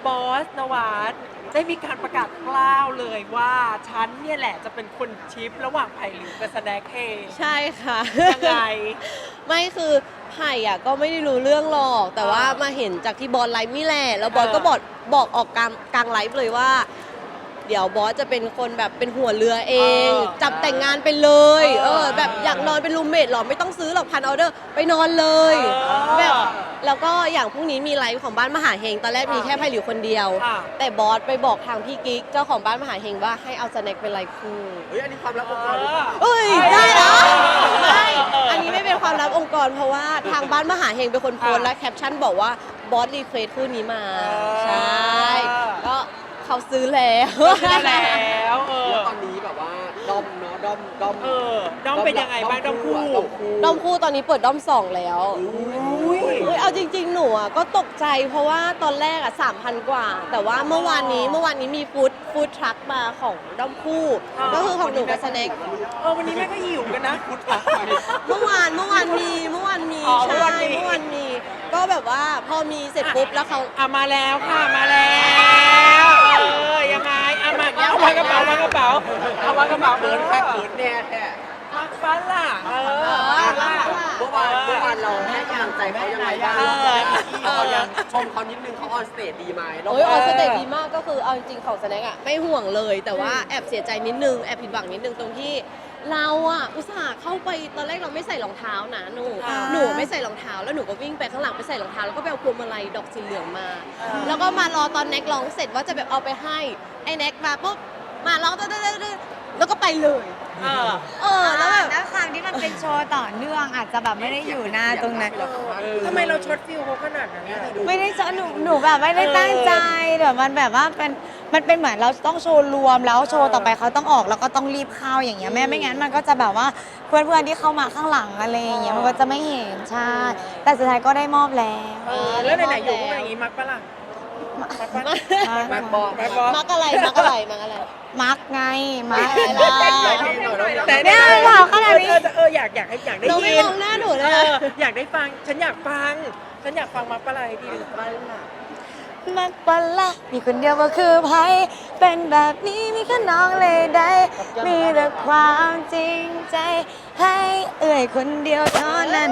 บอสนวัดได้มีการประกาศกล้าวเลยว่าฉันเนี่ยแหละจะเป็นคนชิประหว่างไผ่หลิวกับสแน็คเฮใช่ค่ะยังไงไม่คือไผ่อะก็ไม่ได้รู้เรื่องหรอก แต่ว่ามาเห็นจากที่บอสไลฟ์นี่แหละแล้วบอสก็บอกออกกลางไลฟ์เลยว่า เดี๋ยวบอสจะเป็นคนแบบเป็นหัวเรือเอง จับแต่งงานไปเลยแบบอยากนอนเป็นรูมเมทหรอไม่ต้องซื้อหรอกพันออเดอร์ไปนอนเลยแบบแล้วก็อย่างพรุ่งนี้มีไลฟ์ของบ้านมหาเฮงตอนแรกมีแค่ไผ่หลิวคนเดียว แต่บอสไปบอกทางพี่กิ๊กเจ้าของบ้านมหาเฮงว่าให้เอาสแน็คเป็นไลฟ์คู่เฮ้ยอันนี้ความลับองค์กรหรือเปล่าเอ้ยได้นะไม่อันนี้ไม่เป็นความลับองค์กรเพราะว่าทางบ้านมหาเฮงเป็นคนโพสต์และแคปชั่นบอกว่าบอสรีเควสคู่นี้มาใช่ก็เขาซื้อแล้วแล้วแล้วตอนนี้แบบว่าด้อมเนาะด้อมด้อมเป็นยังไงบ้างด้อมคู่ด้อมคู่ตอนนี้เปิดด้อม2แล้วเอาจริงๆหนูอ่ะก็ตกใจเพราะว่าตอนแรกอ่ะ 3,000 กว่า แต่ว่าเมื่อวานนี้มีฟู้ดทรัคมาของด้อมคู่ก็คือของหนูกับสแน็ควันนี้แม่ก็หิวกันนะพุทธะเมื่อวานมีใช่เมื่อวานมีก็แบบว่าพอมีเสร็จปุ๊บแล้วเขามาแล้วค่ะมาแล้วยังไงเอาวางกระเป๋เอาวางกระเป๋าเขินแค่เขินแน่แท้มักฟ้าล่ะเมื่อวานเราให้กำลังใจเขายังไงบ้างเขายังชมเขานิดนึงเขาออนสเตจดีไหมออนสเตจดีมากก็คือเอาจริงๆของสแน็คอะไม่ห่วงเลยแต่ว่าแอบเสียใจนิดนึงแอบผิดหวังนิดนึงตรงที่เราอะอุตส่าห์เข้าไปตอนแรกเราไม่ใส่รองเท้านะหนูไม่ใส่รองเท้าแล้วหนูก็วิ่งไปข้างหลังไปใส่รองเท้าแล้วก็ไปเอาพวงมาลัยดอกสีเหลืองมาแล้วก็มารอตอนแน็กร้องเสร็จว่าจะแบบเอาไปให้ไอ้แน็กมาปุ๊บมาร้องแล้วก็ไปเลยแล้วแบบด้วยความที่มันเป็นโชว์ต่อเนื่องอาจจะแบบไม่ได้อยู่หน้าตรงนั้นทำไมเราช็อตฟิลเขาขนาดนั้นไม่ได้หนูแบบไม่ได้ตั้งใจเดี๋ยวมันแบบว่ามันเป็นเหมือนเราต้องโชว์รวมแล้วโชว์ต่อไปเขาต้องออกแล้วก็ต้องรีบเข้าอย่างเงี้ยไม่งั้นมันก็จะแบบว่าเพื่อนๆที่เข้ามาข้างหลังอะไรอย่างเงี้ยมันก็จะไม่เห็นใช่แต่สุดท้ายก็ได้มอบแล้วแล้วไหนๆอยู่ก็อย่างนี้มักปะล่ะมักบอกมักอะไรมักไงมักแต่เนี่ยเราขนาดนี้อยากได้ยินเราไม่มองหน้าหนูเลยอยากได้ฟังฉันอยากฟังมักปะอะไรดีมักปะละมีคนเดียวก็คือไพ่เป็นแบบนี้มีแค่น้องเลยได้มีแต่ความจริงใจให้คนเดียวเท่านั้น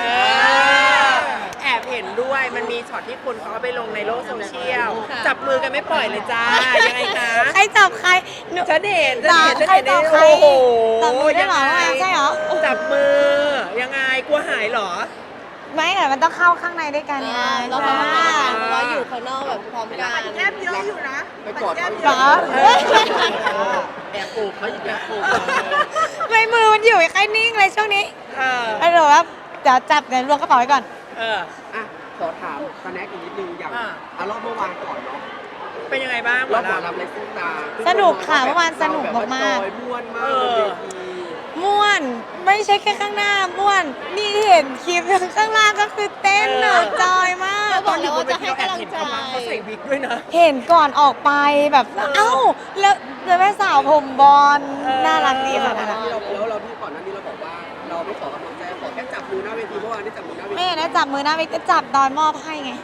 แอบเห็นด้วยมันมีช็อตที่คนเขาไปลงในโลกโซเชียลจับมือกันไม่ปล่อยเลยจ้ายังไงคะใครจับใครฉันเห็นโอ้โหจับมือได้หรอใช่เหรอจับมือยังไงกลัวหายหรอไม่แต่มันต้องเข้าข้างในด้วยกันไงเราเพราะว่าอยู่ข้างนอกแบบพร้อมกันแอบเยอะอยู่นะไปกอดเขาเหรอแอบโอบเขาอีกแอบโอบไม่มือมันอยู่แค่นิ่งเลยช่วงนี้แล้วเดี๋ยวว่าเดี๋ยวจับเงินรวมกระเป๋าไว้ก่อนขอถามสแน็คอีกนิดนึงอย่างรอบเมื่อวานก่อนเนาะเป็นยังไงบ้างรอบหมอลำในซุ้มตาสนุกค่ะเมื่อวานสนุกมากม่วนมากเลยม่วนไม่ใช่แค่ข้างหน้าม่วนนี่เห็นคลิปข้างล่างก็คือเต้นหนักจอยมากบอกแล้วว่าจะให้กำลังใจเขาใส่วิกด้วยนะเห็นก่อนออกไปแบบเอ้าแล้วแม่สาวผมบอลน่ารักดีค่ะที่เราที่ก่อนหน้านี้เราบอกว่าเราไม่ขอกำลังใจขอแค่จับมือหน้าเวทีเมื่อวานได้จับมือหน้าเวทีไม่ได้จับมือหน้าเวทีจับตอนมอบให้ไง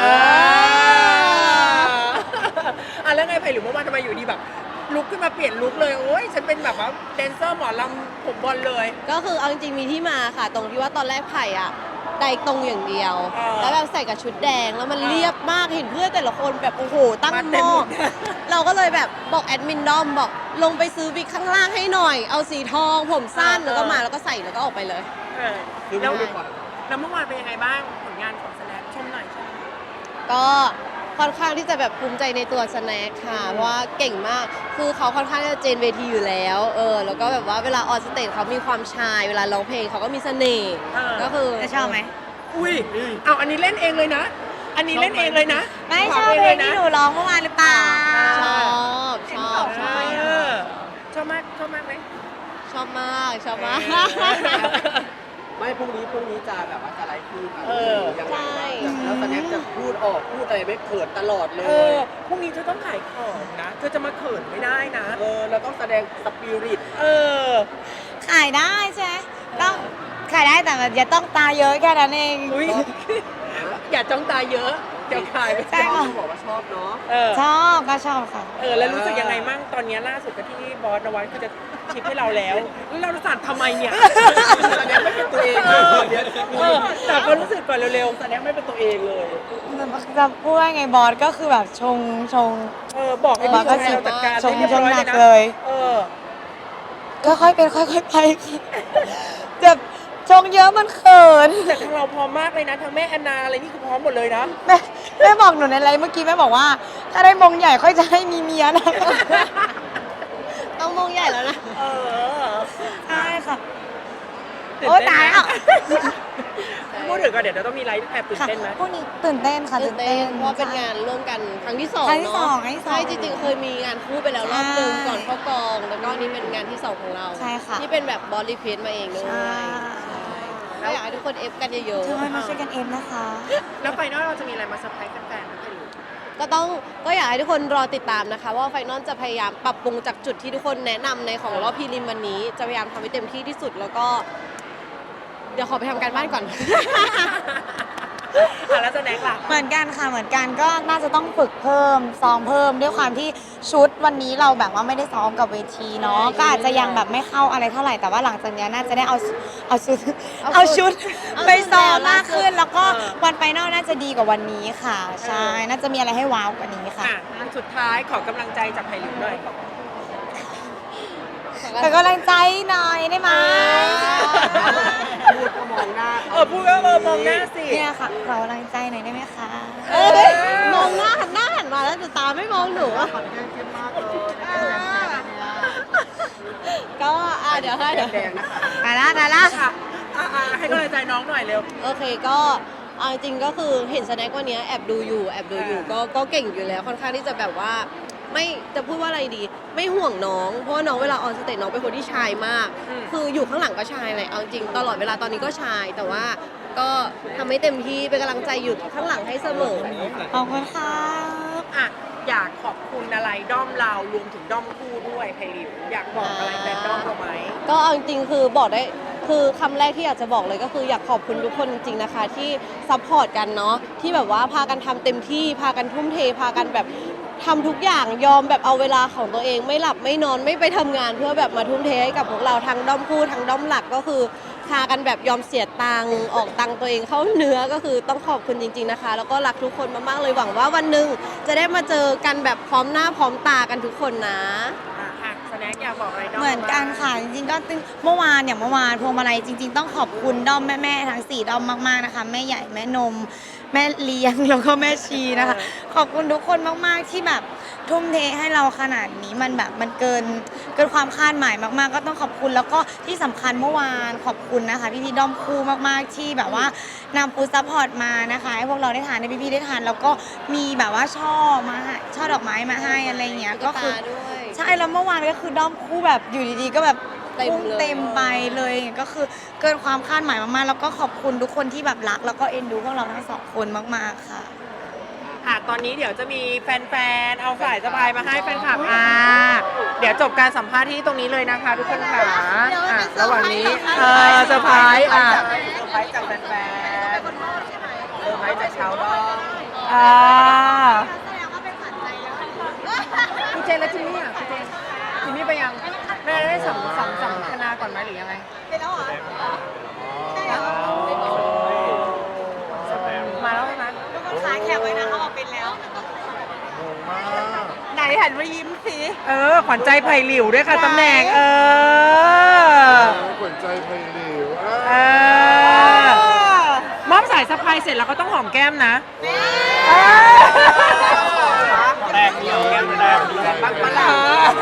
แล้วไงไผ่หรือเมื่อวานทำไมอยู่ดีแบบลุกขึ้นมาเปลี่ยนลุกเลยโอ้ยฉันเป็นแบบว่าแดนเซอร์หมอลำผมบอลเลยก็คือเอาจริงๆมีที่มาค่ะตรงที่ว่าตอนแรกไผ่อะไดตรงอย่างเดียวแล้วแบบใส่กับชุดแดงแล้วมันเรียบมากเห็นเพื่อนแต่ละคนแบบโอ้โหตั้งหม้อเราก็เลยแบบบอกแอดมินดอมบอกลงไปซื้อวิกข้างล่างให้หน่อยเอาสีทองผมสั้นแล้วก็มาแล้วก็ใส่แล้วก็ออกไปเลยแล้วเมื่อวานเป็นยังไงบ้างผลงานของแสดงชมหน่อยก็ค่อนข้างที่จะแบบภูมิใจในตัวสแน็คค่ะเพราะว่าเก่งมากคือเขาค่อนข้างจะเจนเวทีอยู่แล้วแล้วก็แบบว่าเวลาออนสเตจเขามีความชายเวลาร้องเพลงเขาก็มีเสน่ห์ก็คือชอบไหมอุ้ยเอาอันนี้เล่นเองเลยนะอันนี้เล่นเองเลยนะไม่ชอบเพลงที่หนูร้องเมื่อวานหรือเปล่าชอบชอบมากไหมชอบมากไม่พรุ่งนี้จะแบบว่าจะไลฟ์คู่กันใช่แล้วสแน็คจะพูดอะไรไม่เขินตลอดเลยพรุ่งนี้เธอต้องขายของนะเธอจะมาเขินไม่ได้นะเราต้องแสดงสปิริตขายได้ใช่ไหมต้องขายได้แต่อย่าต้องตาเยอะแค่นั้นเองอย่าจ้องตาเยอะเดี๋ยวขายไม่ได้บอกว่าชอบเนาะก็ชอบค่ะแล้วรู้สึกยังไงมั่งตอนนี้ล่าสุดก็ที่บอสนวัดคือจะชิปให้เราแล้วเราสั่นทำไมเนี่ยแสดงไม่เป็นตัวเองแต่ก็รู้สึกก่อนเร็วๆแสดงไม่เป็นตัวเองเลยจะพูดว่าไงบอสก็คือแบบชงบอกให้บอพี่สก็ชายเราจัดการชงให้เรียบร้อยหนักนะเลยเออค่อยๆเป็นค่อยๆไปแบบชงเยอะมันเขินแต่ทางเราพร้อมมากเลยนะทั้งแม่แอนนาอะไรนี่คือพร้อมหมดเลยนะแม่บอกหนูในไลฟ์เมื่อกี้แม่บอกว่า ถ้าได้มงใหญ่ค่อยจะให้มีเมียนะต้องมงใหญ่แล้วนะเออใช่ค่ะตื่นโอ๊ยเต้นตายไหมแล้วพูดถึงก่อนเดี๋ยวเราต้องมีไลฟ์แอบตื่นค่ะเต้นไหมพวกนี้ตื่นเต้นค่ะตื่นเต้นเพราะว่าเป็นงานร่วมกันครั้งที่สองครั้งที่สองเนาะครั้งที่สองใช่จริงๆเคยมีงานคู่ไปแล้วรอบหนึงใช่ก่อนเข้ากองแล้วก็นี่เป็นงานที่สองของเราใช่ค่ะที่เป็นแบบบอลลีเพนมาเองด้วยใช่ก็อยากให้ทุกคนเอฟกันเยอะเธอมาช่วยกันเอ็นนะคะแล้วไฟนอลเราจะมีอะไรมาเซอร์ไพรส์แฟนๆไหมคะหรือๆก็อยากให้ทุกคนรอติดตามนะคะ ว่าไฟนอลจะพยายามปรับปรุงจากจุดที่ทุกคนแนะนำในของรอบพรีลิมวันนี้ จะพยายามทำให้เต็มที่ที่สุดแล้วก็ เดี๋ยวขอไปทำการบ้านก่อนแล้วจะแน็กล่ะเหมือนกันค่ะเหมือนกันก็น่าจะต้องฝึกเพิ่มซ้อมเพิ่มด้วยความที่ชุดวันนี้เราแบบว่าไม่ได้ซ้อมกับเวทีเนาะใช่ก็อาจจะยังแบบไม่เข้าอะไรเท่าไหร่แต่ว่าหลังจากนี้น่าจะได้เอาชุดเอาชุดเอาชุดเอาไปซ้อมชุดมากขึ้น แล้วก็เออวันไฟนอลน่าจะดีกว่าวันนี้ค่ะ ใช่น่าจะมีอะไรให้ว้าวกว่านี้ค่ะสุดท้ายขอกำลังใจจากไผ่หลิวหน่อยแต่กำลังใจหน่อยได้ไหมพูดก็มองหน้าพูดก็มองหน้าสิเนี่ยค่ะขอกำลังใจหน่อยได้ไหมคะเอ้ยมองหน้าหันมาแล้วแต่ตาไม่มองหนูอะก็เดี๋ยวให้แดงนะคะได้ละค่ะให้กำลังใจน้องหน่อยเร็วโอเคก็เอาจริงๆก็คือเห็นสแน็ควันนี้แอบดูอยู่ก็เก่งอยู่แล้วค่อนข้างที่จะแบบว่าไม่จะพูดว่าอะไรดี ไม่ห่วงน้องเพราะว่าน้องเวลาออนสเตจน้องเป็นคนที่ชายมาก คืออยู่ข้างหลังก็ชายเลยเอาจริงตลอดเวลาตอนนี้ก็ชาย แต่ว่าก็ทำให้เต็มที่เป็นกำลังใจอยู่ข้างหลังให้เสมอขอบคุณค่ะอยากขอบคุณอะไรด้อมเรารวมถึงด้อมคู่ด้วยไผ่หลิวอยากบอกอะไรแฟนด้อมเราไหมก็เอาจริงๆคือบอกได้คือคำแรกที่อยากจะบอกเลยก็คืออยากขอบคุณทุกคนจริงๆนะคะ ที่ซัพพอร์ตกันเนาะที่แบบว่าพากันทำเต็มที่พากันทุ่มเทพากันแบบทำทุกอย่างยอมแบบเอาเวลาของตัวเองไม่หลับไม่นอนไม่ไปทำงานเพื่อแบบมาทุ่มเทให้กับพวกเราทั้งด้อมคู่ทั้งด้อมหลักก็คือพากันแบบยอมเสียตังค์ออกตังค์ตัวเองเข้าเนื้อก็คือต้องขอบคุณจริงๆนะคะ แล้วก็รักทุกคนมากๆเลยหวังว่าวันหนึ่งจะได้มาเจอกันแบบพร้อมหน้าพร้อมตากันทุกคนนะสแน็คอยากบอกอะไรด้อมเหมือนกันค่ะ จริงๆก็เมื่อวานพวงมาลัยจริง ๆ ต้องขอบคุณด้อมแม่ๆทั้ง4ด้อมมากๆนะคะแม่ใหญ่แม่นม แม่เลี้ยงแล้วก็แม่ชีนะคะ ขอบคุณทุกคนมากๆที่แบบทุ่มเทให้เราขนาดนี้มันแบบมันเกินความคาดหมายมากๆ ก็ต้องขอบคุณแล้วก็ที่สำคัญเมื่อวานขอบคุณนะคะพี่ๆด้อมคู่มากๆที่แบบว่านำฟูดซัพพอร์ตมานะคะให้พวกเราได้ทานให้พี่ๆได้ทานแล้วก็มีแบบว่าช่อมาให้ช่อดอกไม้มาให้อะไรเงี้ยก็คือด้วยใช่แล้วเมื่อวานก็คือด้อมคู่แบบอยู่ดีๆก็แบบเต็มพุ่งเลยเต็มไปเลยก็คือเกินความคาดหมายมากๆแล้วก็ขอบคุณทุกคนที่แบบรักแล้วก็เอ็นดูพวกเราทั้งสองคนมากๆค่ะตอนนี้เดี๋ยวจะมีแฟนๆเอาสายสะพายมาให้แฟนคลับเดี๋ยวจบการสัมภาษณ์ที่ตรงนี้เลยนะคะ ทุกคนค่ะระหว่างนี้เซอร์ไพรส์เซอร์ไพรส์จากแฟนๆเซอร์ไพรส์จากชาวด้อมคุณเจนและจิมมี่คุณเจนจิมมี่ไปยังแม่ได้สัมคณาก่อนไหมหรือยังไงไปแล้วเหรอมาแล้วใช่ไหมขาแข็งไว้นะเขาบอกเป็นแล้วไหนหันมายิ้มสิขวัญใจไผ่หลิวด้วยค่ะตำแหน่งขวัญใจไผ่หลิวมอบสายสะพายเสร็จแล้วก็ต้องหอมแก้มนะแตกเดียวแก้มแตกเดียวบ้างปะล่ะ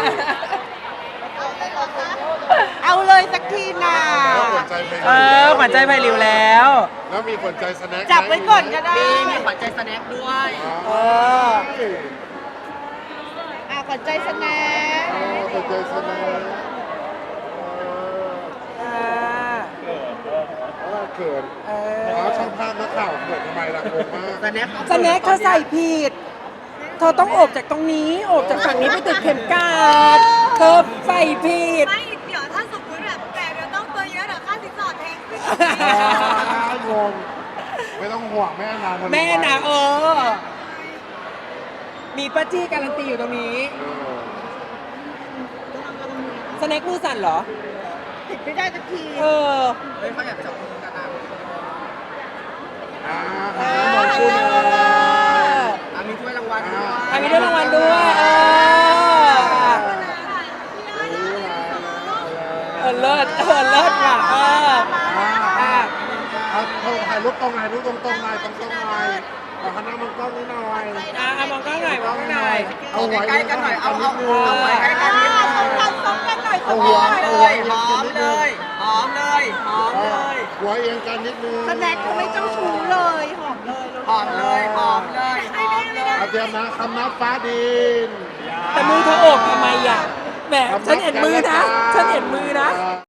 เอาเลยสักทีนะขวัญใจไผ่หลิวขวัญใจไผ่หลิวแล้วแล้วมีขวัญใจสแน็คจับไว้ก่อนก็ได้มีขวัญใจสแน็คด้วยขวัญใจสแน็คขวัญใจสแน็คเขินช่างภาพนักข่าวเขินทำไมล่ะงงมากสแน็คสแน็คเธอใส่ผิด เธอต้องโอบจากตรงนี้โอบจากฝั่งนี้ไปติดเข็มกลัดเธอใส่ผิดไม่เดี๋ยวถ้าสมมติแบบแต่เดี๋ยวต้องตัวเยอะเดี๋ยวค่าสินสอดแพงขึ้นงงไม่ต้องห่วงแม่นางแม่นะมีป้าจี้การันตีอยู่ตรงนี้ สแน็คมือสั่นเหรอติดไม่ได้สักทีเออเฮ้ยเขาอยากจับมือกันนะมองคู่เลยมีถ้วยรางวัลด้วยมีด้วยรางวัลด้วยเลิศเลิศว่ะเอาถ่ายรูปตรงไหนรูปตรงไหนตรงไหนขอคณะมังกรนิดหน่อยมองกล้องหน่อยมองกล้องหน่อยเอาหัวใกล้ๆกันหน่อย เอาหัวเอาใกล้ๆกันนิดนึงเอาหัวหอมเลยหอมเลยหอมเลยหัวเอียงกันนิดนึงสแน็คเขาไม่เจ้าชู้เลยหอมเลยหอมเลยหอมเลยหอมเลยเอาเตรียมนะคำนับฟ้าดินแต่มือเธอโอบทำไมอ่ะแหมฉันเห็นมือนะ ฉันเห็นมือนะ